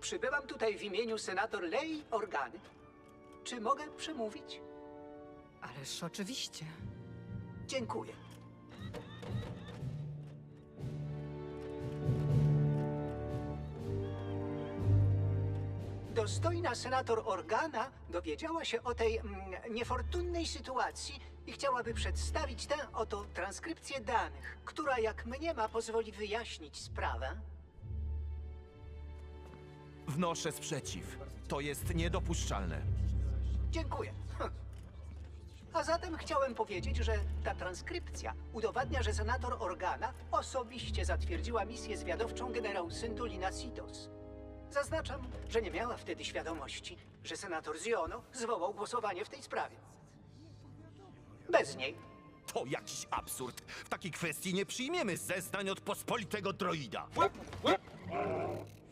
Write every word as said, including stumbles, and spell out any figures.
Przybywam tutaj w imieniu senator Lei Organy. Czy mogę przemówić? Ależ oczywiście. Dziękuję. Dostojna senator Organa dowiedziała się o tej mm, niefortunnej sytuacji i chciałaby przedstawić tę oto transkrypcję danych, która, jak mniema, pozwoli wyjaśnić sprawę. Wnoszę sprzeciw. To jest niedopuszczalne. Dziękuję. Hm. A zatem chciałem powiedzieć, że ta transkrypcja udowadnia, że senator Organa osobiście zatwierdziła misję zwiadowczą generał Syndulina Sitos. Zaznaczam, że nie miała wtedy świadomości, że senator Ziono zwołał głosowanie w tej sprawie. Bez niej. To jakiś absurd. W takiej kwestii nie przyjmiemy zeznań od pospolitego droida.